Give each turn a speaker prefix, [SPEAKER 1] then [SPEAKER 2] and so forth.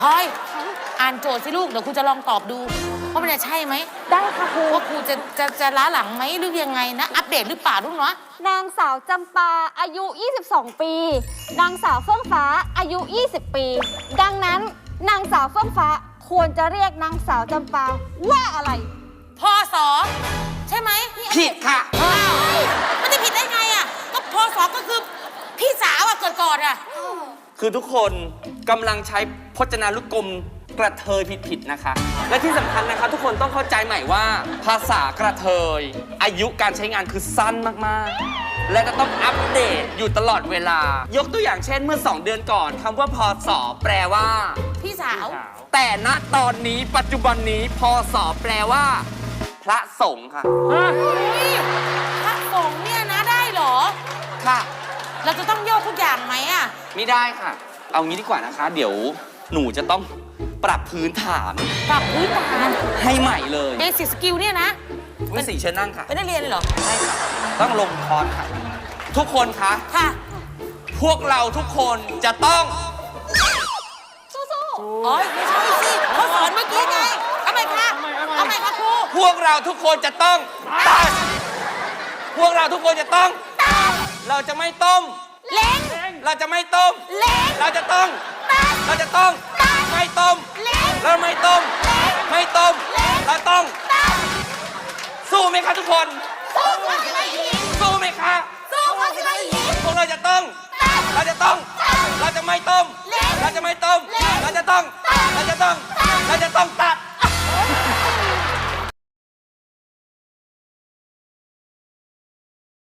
[SPEAKER 1] พลอยอ่านโจทย์สิลูกเดี๋ยวครูจะลองตอบดูว่ามันจะใช่ไหม
[SPEAKER 2] ได้ค่ะครู
[SPEAKER 1] ว่าครูจะล้าหลังไหมหรือยังไงนะอัปเดตหรือเปล่าลูกเนาะ
[SPEAKER 2] นางสาวจำปาอายุ 22 ปี นางสาวเฟื่องฟ้าอายุ 20 ปี ดังนั้นนางสาวเฟื่องฟ้าควรจะเรียกนางสาวจำปาว่าอะไร
[SPEAKER 1] พศใช่ไหม
[SPEAKER 3] ผิดค่ะ
[SPEAKER 1] อ้าวมันจะผิดได้ไงอ่ะก็พศก็คือพี่สาวอะเกิดก่อนอะ
[SPEAKER 3] คือทุกคนกำลังใช้พจนานุกรมกระเทยผิดๆนะคะ และที่สำคัญนะคะทุกคนต้องเข้าใจใหม่ว่าภาษากระเทยอายุการใช้งานคือสั้นมากๆ และจะต้องอัปเดตอยู่ตลอดเวลา ยกตัวอย่างเช่นเมื่อ 2 เดือนก่อนคำว่าพศแปลว่า
[SPEAKER 1] พี่สาว
[SPEAKER 3] แต่ณตอนนี้ปัจจุบันนี้พศแปลว่า พระสงฆ์ค่ะ
[SPEAKER 1] นี่พระสงฆ์เนี่ยนะได้เหรอ
[SPEAKER 3] ค่ะ
[SPEAKER 1] เราจะต้องโยกทุกอย่างไหมอะ
[SPEAKER 3] ไม่ได้ค่ะ เอางี้ดีกว่านะคะ เดี๋ยวหนูจะต้องปรับพื้นฐาน
[SPEAKER 1] ปรับพื้นฐาน
[SPEAKER 3] ให้ใหม่เลย
[SPEAKER 1] เบสิกสกิลเนี่ยนะ
[SPEAKER 3] วิสีเชิญนั่งค่ะ
[SPEAKER 1] เป็นนักเรียนเลยเหรอ
[SPEAKER 3] ใช่ค่ะ ต้องลงคอร์สค่ะ ทุกคนคะ
[SPEAKER 1] ค่ะ
[SPEAKER 3] พวกเราทุกคนจะต้อง
[SPEAKER 1] อ๋อไม่ใช่สิเขาสอนเมื่อกี้ไงเอาใหม่ค่ะเอาใหม่ค่ะครู
[SPEAKER 3] พวกเราทุกคนจะต้องตัดพวกเราทุกคนจะต้องตัดเราจะไม่ต้ม
[SPEAKER 1] เล้ง
[SPEAKER 3] เราจะไม่ต้ม
[SPEAKER 1] เล้ง
[SPEAKER 3] เราจะต้อง เราจะต้อง ไม่ต้ม
[SPEAKER 1] เล้ง
[SPEAKER 3] เราไม่ต้ม ไม่ต้ม เราต้อง สู้ไหมคะทุกคน
[SPEAKER 1] สู้เขาสิไม่ยิง
[SPEAKER 3] สู้ไหมคะ
[SPEAKER 1] สู้เขาสิไม่ยิง
[SPEAKER 3] พวกเราจะต้อง เราจะต้อง เราจะไม่ต้ม เราจะไม่ต้ม เราจะต้อง เราจะต้อง เราจะต้องตัด